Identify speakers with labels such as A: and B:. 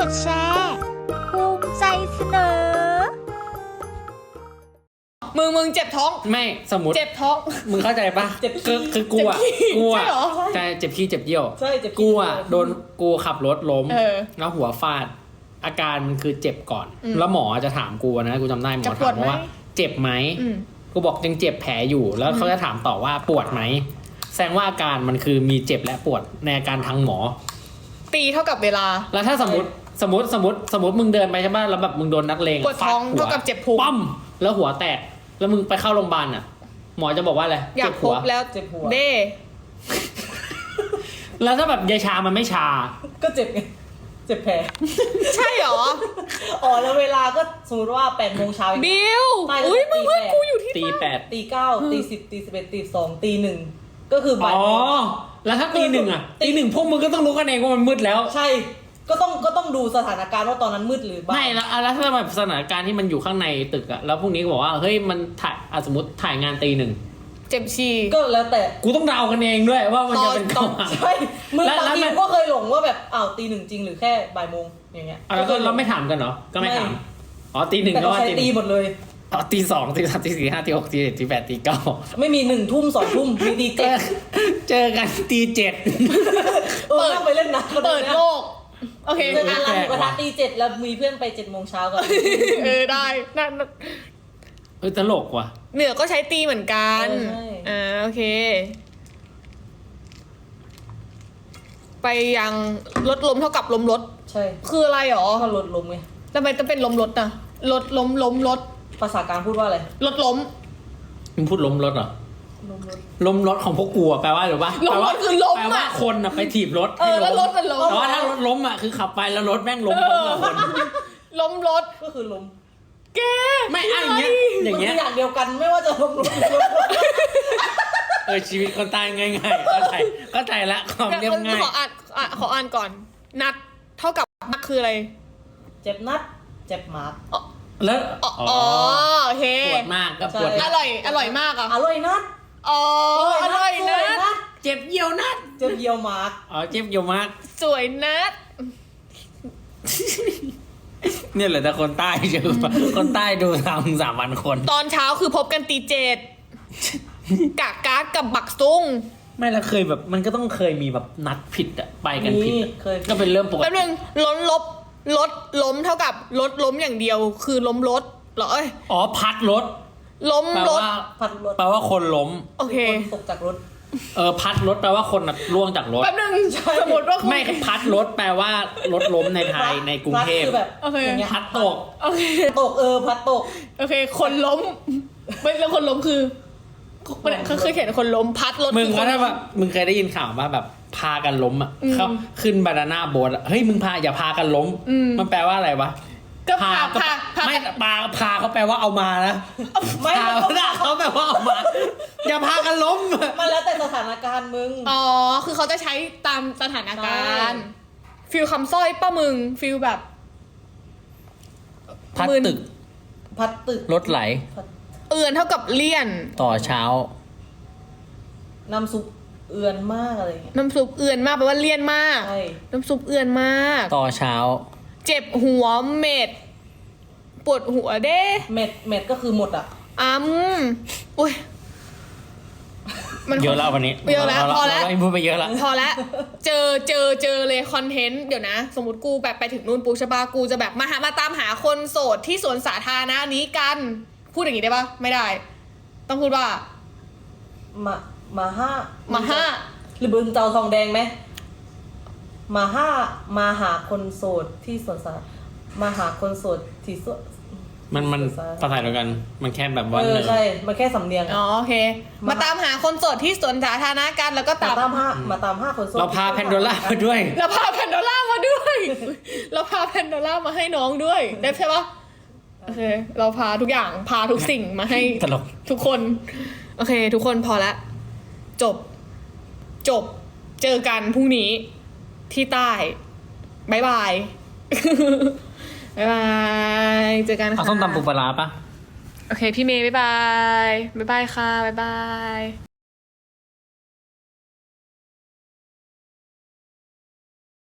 A: ดแชร์ภูมิใจเสนอ
B: มึงเจ็บท้อง
C: ไม่สมมติ
B: เจ็บท้อง
C: มึงเข้าใจปะ
B: เจ็บขี้
C: คือกูอ่ะ
B: ใช่เหรอ
C: ใช่เจ็บขี้เจ็บเยี่ยว
B: ใช่เจ็บขี้
C: กูอ่ะโดนกูขับรถล้ม
B: แล้ว
C: หัวฟาดอาการมันคือเจ็บก่อนแล้วหมอจะถามกูนะกูจำได้หมอถามว่าเจ็บไหมกูบอกยังเจ็บแผลอยู่แล้วเขาจะถามต่อว่าปวดไหมแสดงว่าอาการมันคือมีเจ็บและปวดในอาการทางหมอ
B: ตีเท่ากับเวลา
C: แล้วถ้าสมมติมึงเดินไปใช่ไหมแล้วแบบมึงโดนนักเลง
B: ปวดท้องเท่ากับเจ็บพุง
C: ปั้มแล้วหัวแตกแล้วมึงไปเข้าโรงพยาบาลอ่ะหมอจะบอกว่าอะไร
B: อยากพบแล้วเจ็บหัวเด้
C: แล้วถ้าแบบยาชามันไม่ชา
D: ก็เจ็บไงเจ็บแผล
B: ใช่หรอ
D: อ๋อแล้วเวลาก็สมมติว่า8 โมงเช้า
B: บิวอุ้ยมึงเพื่อนกูอยู่ที่
C: ตี8
D: ตี9ตี10ตี11ตี2ตี1ก็คือบ่าย
C: อ๋อแล้วถ้าตี1อ่ะตี1พวกมึงก็ต้องรู้กันเองว่ามันมืดแล้ว
D: ใช่ก็ต้องดูสถานการณ์ว่าตอนนั้นมืดหรือ
C: ไม่แล้วถ้าแบบสถานการณ์ที่มันอยู่ข้างในตึกอ่ะแล้วพวกนี้ก็บอกว่าเฮ้ยมันถ่ายสมมติถ่ายงานตี 1
B: เจ็บชี
D: ก็แล้วแต่
C: กูต้องเดากันเองด้วยว่ามันจะเป็น
D: ตอนใช่มึงบางทีก็เคยหลงว่าแบบตี 1จริงหรือแค่บ่ายโมงอย่างเงี้ย
C: แล้วก็เราไม่ถามกันเหรอก็ไม่ถามอ๋อตี 1ก็ว่า
D: ตีหมดเลย
C: ตี 2ตี 3ตี 4 5ตี 6ตี 7ตี 8ตี 9
D: ไม่มี1 ทุ่ม2 ทุ่มมีตี 7
C: เจอกันตี 7
D: เปิดไปเล่นนะ
B: เปิดโลกโอเค
D: ร้านหมูกระทะตี 7แล้วมีเพื่อนไป7 โมงเช้าก่อน
B: ได้
C: ตลกว่ะ
B: เหนือก็ใช้ตีเหมือนกันโอเคไปยังรถล้มเท่ากับล้มรถ
D: ใช่
B: คืออะไรหรอ
D: ก็รถล้มไง
B: ทำไมต้องเป็นล้มรถอ่ะรถล้มรถ
D: ภาษากลางพูดว่าอะไร
B: รถล้ม
C: มึงพูดล้มรถเหรอล้มรถของพวกกูแปลว่าหรือว่า
B: ล้มรถคือล้ม
C: แปลว่าคนไปถีบรถ
B: แล้วรถมันล้ม
C: แต่ว่าถ้ารถล้มคือขับไปแล้วรถแม่งล้มกับคน
B: ล้มรถ
D: ก็คือล้ม
B: แก
C: ไม่อย่างเงี้ย
D: อย่างเดียวกันไม่ว่าจะล้มรถ
C: ชีวิตคนตายง่ายๆเข้าใจละความเรียบง่าย
B: ขออ่านก่อนนัดเท่ากับนัดคืออะไร
D: เจ็บนัดเจ็บหมา
C: แล้ว
B: โอเค
C: ปวดมากก็ปวด
B: อร่อยมากอ่ะ
D: อร่อยนัด
B: อร่อยนัด
C: เจ็บเยี่ยวนัด
D: เจ็บเยี่ยวมาก
C: เจ็บเยี่ยวมาก
B: สวยนัด
C: เนี่ยแหละแต่คนใต้เจอคนใต้ดู3,000 คน
B: ตอนเช้าคือพบกันตี 7กะก๊าซกับบักซุง
C: ไม่แล้วเคยแบบมันก็ต้องเคยมีแบบนัดผิดอะไปกันผิดก็เป็นเรื่องปกติ
B: แป๊บนึงรถล้มเท่ากับรถล้มอย่างเดียวคือล้มรถเหรอ
C: พัดรถ
B: ล้มรถ
D: พัดรถ
C: แปลว่าคนล้ม
B: โอเค
D: ตกจากรถ
C: พัดรถแปลว่าคนล่วงจากรถ
B: แป๊บนึงสมมติว่า
C: ไม่พัดรถแปลว่ารถล้มในไทยในกรุงเทพพัดตก
D: ตกพัดตก
B: โอเคคนล้มไม่แล้วคนล้มคือเขาเคยเห็นคนล้มพัดรถ
C: มึงว่าถ้าแบบมึงเคยได้ยินข่าวว่าแบบพากันล้มอ่ะเขาขึ้นบานาน่าโบ๊ทเฮ้ยมึงอย่าพากันล้มมันแปลว่าอะไรวะ
B: ก็พา
C: ไม่พาเขาแปลว่าเอามานะ
D: ไม่
C: เขาแปลว่าเอามาอย่าพากันล้ม
D: มันแล้วแต่สถานการณ์มึง
B: คือเขาจะใช้ตามสถานการณ์ฟิลคำสร้อยป้ามึงฟิลแบบ
C: พัดตึกรถไหล
B: เอือนเท่ากับเลี่ยน
C: ต่อเช้า
D: น้ำซุปเอือนมากอะไรเงี้ย
B: น้ำซุปเอือนมากแปลว่าเลี่ยนมากน้ำซุปเอือนมาก
C: ต่อเช้า
B: เจ็บหัวเม็ดปวดหัวเด้
D: เม็ดก็คือหมดอ่ะ
B: อุ้ย
C: มันเยอะแล้ววันนี้
B: เยอะแล้วพอแล้ว
C: พูดไปเยอะแล้ว
B: พอแล้วเจอเลยคอนเทนต์เดี๋ยวนะสมมติกูแบบไปถึงนู่นปูชบากูจะแบบมาตามหาคนโสดที่สวนสาธารณะนี้กันพูดอย่างนี้ได้ปะไม่ได้ต้องพูดว่า
D: มาห้าหรือบึงเจ้าทองแดงไหมมาหาคนโสดที่สวนสาธารณะมาหาคนโสดที่สวน
C: มันภาษาเดียวกันมันแค่แบบว่า
D: ใช่มันแค่สำเนียง
B: โอเคมาตามหาคนโสดที่สวนสาธารณะกันแล้วก็
D: มาตามห้าคนโสด
C: เราพาแพนโดล่ามาด้วย
B: เราพาแพนโดล่ามาให้น้องด้วยได้ใช่ปะโอเคเราพาทุกอย่างพาทุกสิ่งมาให้ทุกคนโอเคทุกคนพอแล้วจบเจอกันพรุ่งนี้ที่ใต้บ๊ายบายเจอกันค่ะ
C: ส้มตำปูปลาร้าปะ
B: โอเคพี่เมย์บ๊ายบายค่ะบ๊ายบาย